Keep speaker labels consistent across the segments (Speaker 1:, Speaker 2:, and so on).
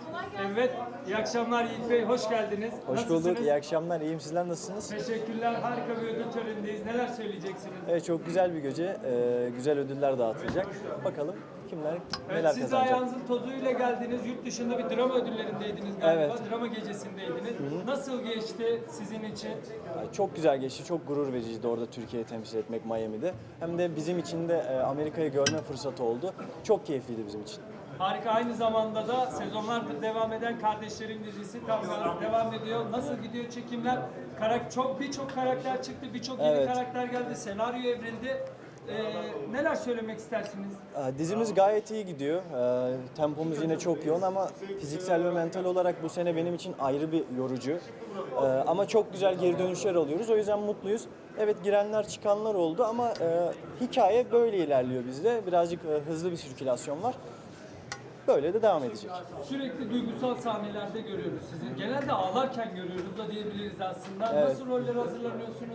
Speaker 1: Evet, iyi akşamlar Yiğit Bey, hoş geldiniz.
Speaker 2: Hoş bulduk, iyi akşamlar. İyiyim, sizler nasılsınız?
Speaker 1: Teşekkürler, harika bir ödül törenindeyiz. Neler söyleyeceksiniz?
Speaker 2: Evet, çok güzel bir gece. Güzel ödüller dağıtılacak. Bakalım kimler
Speaker 1: Evet,
Speaker 2: neler
Speaker 1: siz de
Speaker 2: kazanacak.
Speaker 1: ayağınızın tozuyla geldiniz. Yurt dışında bir drama ödüllerindeydiniz galiba.
Speaker 2: Evet.
Speaker 1: Drama gecesindeydiniz. Nasıl geçti sizin için?
Speaker 2: Çok güzel geçti, çok gurur vericiydi orada Türkiye'yi temsil etmek Miami'de. Hem de bizim için de Amerika'yı görme fırsatı oldu. Çok keyifliydi bizim için.
Speaker 1: Harika, aynı zamanda da sezonlardır devam eden Kardeşlerim dizisi tam gaz devam ediyor. Nasıl gidiyor çekimler? Birçok karakter çıktı, birçok yeni
Speaker 2: Evet.
Speaker 1: karakter geldi, senaryo evrildi. Neler söylemek istersiniz?
Speaker 2: Dizimiz gayet iyi gidiyor. Tempomuz yine çok yoğun ama fiziksel ve mental olarak bu sene benim için ayrı bir yorucu. Ama çok güzel geri dönüşler alıyoruz. O yüzden mutluyuz. Evet, girenler çıkanlar oldu ama hikaye böyle ilerliyor bizde. Birazcık hızlı bir sirkülasyon var. Böyle de devam edecek.
Speaker 1: Sürekli duygusal sahnelerde görüyoruz sizi. Genelde ağlarken görüyoruz da diyebiliriz aslında.
Speaker 2: Evet.
Speaker 1: Nasıl rollere hazırlanıyorsunuz?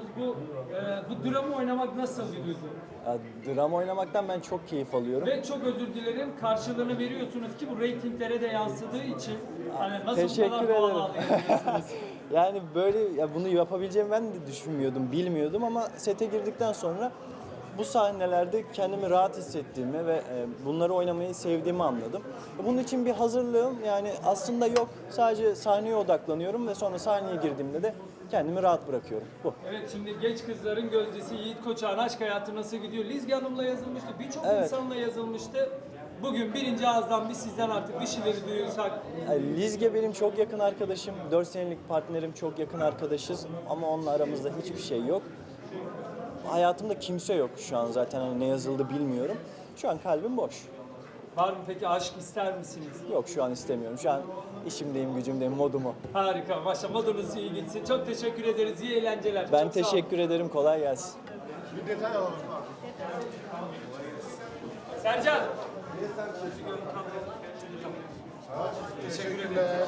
Speaker 1: Bu drama oynamak nasıl bir duygu?
Speaker 2: Drama oynamaktan ben çok keyif alıyorum.
Speaker 1: Ve çok özür dilerim, karşılığını veriyorsunuz ki bu reytinglere de yansıdığı için hani nasıl bu
Speaker 2: Teşekkür
Speaker 1: kadar doğal
Speaker 2: ederim.
Speaker 1: ağlayabiliyorsunuz?
Speaker 2: Yani böyle bunu yapabileceğimi ben de düşünmüyordum, bilmiyordum ama sete girdikten sonra bu sahnelerde kendimi rahat hissettiğimi ve bunları oynamayı sevdiğimi anladım. Bunun için bir hazırlığım yani aslında yok. Sadece sahneye odaklanıyorum ve sonra sahneye girdiğimde de kendimi rahat bırakıyorum. Bu.
Speaker 1: Evet, şimdi genç kızların gözdesi Yiğit Koçak'ın aşk hayatı nasıl gidiyor? Lizge Hanım'la yazılmıştı, birçok
Speaker 2: Evet.
Speaker 1: insanla yazılmıştı. Bugün birinci ağızdan biz sizden artık bir şeyleri duyursak.
Speaker 2: Lizge benim çok yakın arkadaşım. 4 senelik partnerim, çok yakın arkadaşız ama onunla aramızda hiçbir şey yok. Hayatımda kimse yok şu an zaten hani ne yazıldı bilmiyorum. Şu an kalbim boş.
Speaker 1: Var mı peki, aşk ister misiniz?
Speaker 2: Yok, şu an istemiyorum. Şu an işimdeyim, gücümdeyim, modumu.
Speaker 1: Harika, maşallah, modunuz iyi gitsin. Çok teşekkür ederiz, iyi eğlenceler.
Speaker 2: Ben
Speaker 1: Çok sağ olun.
Speaker 2: teşekkür ederim, kolay gelsin.
Speaker 1: Sercan.
Speaker 3: Teşekkürler.